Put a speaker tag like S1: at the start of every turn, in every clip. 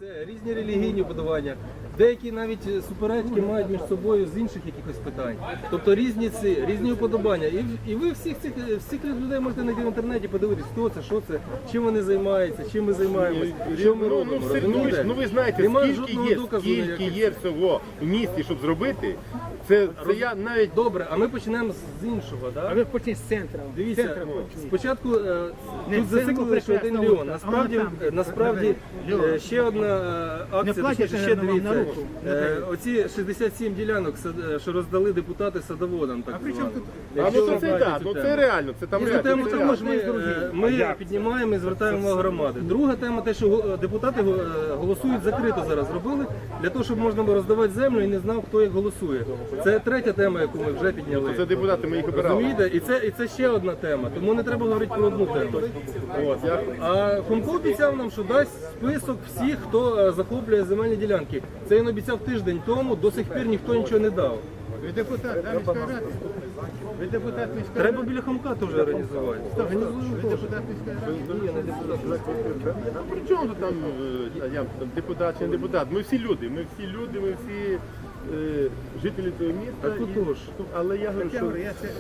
S1: Це різні релігійні вподобання. Деякі навіть суперечки мають між собою з інших якихось питань. Тобто різні вподобання. І ви всіх людей можете знайти в інтернеті, подивитися, хто це, що це, чим вони займаються, чим ми займаємося, що ми робимо.
S2: Ну ви знаєте, скільки є всього в місті, щоб зробити. Це я навіть...
S1: Добре, а ми почнемо з іншого, так?
S3: А ви почніть з центру.
S1: Дивіться, спочатку тут зациклили, що 1 мільйон. Насправді ще одна акція, ще дивіться. Оці 67 ділянок, що роздали депутати садоводам, так званим.
S2: А ну це так, ну це реально, це там реально.
S1: Тему також ми піднімаємо і звертаємо увагу громади. Друга тема, те, що депутати голосують закрито зараз робили, для того, щоб можна було роздавати землю і не знав, хто як голосує. Це третя тема, яку ми вже підняли.
S2: Це депутати, ми їх обирали.
S1: Розумієте? І це ще одна тема, тому не треба говорити про одну тему. А Хомко обіцяв нам, що дасть список всіх, хто захоплює земельні ділянки. Це він обіцяв тиждень тому, до сих пір ніхто нічого не дав.
S3: Ви депутат, да, міської ради? Ви депутат міської ради?
S1: Треба біля Хомка теж організувати.
S3: Ви депутат міської ради?
S1: Ні, не депутат.
S2: При чому тут там депутат чи не депутат? Ми всі люди, ми всі жителі цього міста.
S1: А тут теж.
S2: Але я говорю, що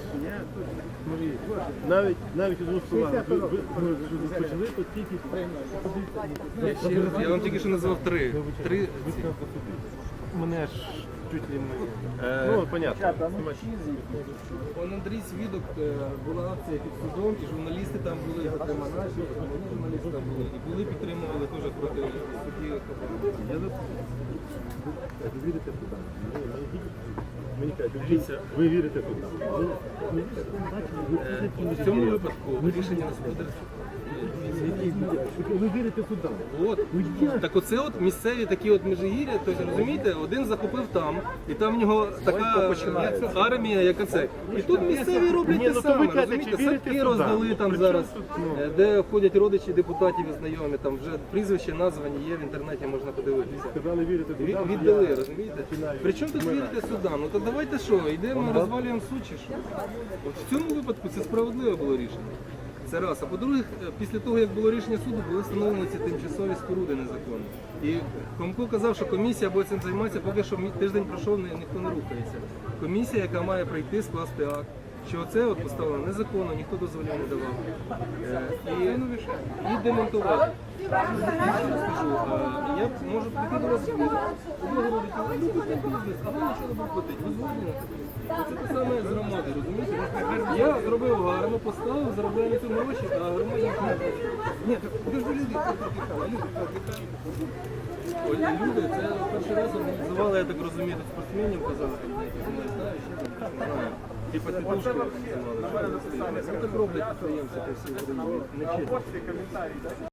S2: навіть одну слова, ви почали тут тільки...
S1: Я вам тільки що назвав три.
S2: Мене ж чуть ли не... Ну, понятно.
S1: Он Андрій Свідок, була акція під судом, і журналісти там були, наші журналісти там були, і були підтримували теж проти судді.
S2: Ви вірите туди? Мені кажуть, ви вірите туди?
S1: В цьому випадку рішення господарства.
S2: Ви вірите туди?
S1: Так оце от місцеві такі от межигір'я, тобто, розумієте, один захопив там, і там в нього така армія, яка це. І тут місцеві роблять те саме, розумієте, садки роздали там зараз, де ходять родичі депутатів і знайомі, там вже прізвища названі є в інтернеті, можна подивитися.
S2: Сказали, вірите туди?
S1: Віддали, розумієте? Причому тут вірите судам? Ну то давайте що, йдемо, розвалюємо суд чи що? От в цьому випадку це справедливе було рішення. Це раз. А по-друге, після того, як було рішення суду, були встановлені ці тимчасові споруди незаконні. І Хомко казав, що комісія буде цим займатися, поки що тиждень пройшов, ніхто не рухається. Комісія, яка має прийти, скласти акт, що це от поставлено незаконно, ніхто дозволів не давав. І демонтувати. Скажу, я можу прийти до вас і говорити, а ви нічого не платите. Ви згодні на це? Це те саме з громади, розумієте? Я зробив гарно, поставив, заробляю на цьому гроші, а громаді не платить. Ні, ви ж люди, люди, це перший раз організували, я так розумію, спортсменів казали, не знаю, ще не знаю. Типа тітушки організували. Ну так роблять підприємці по всій Україні. Не чесно.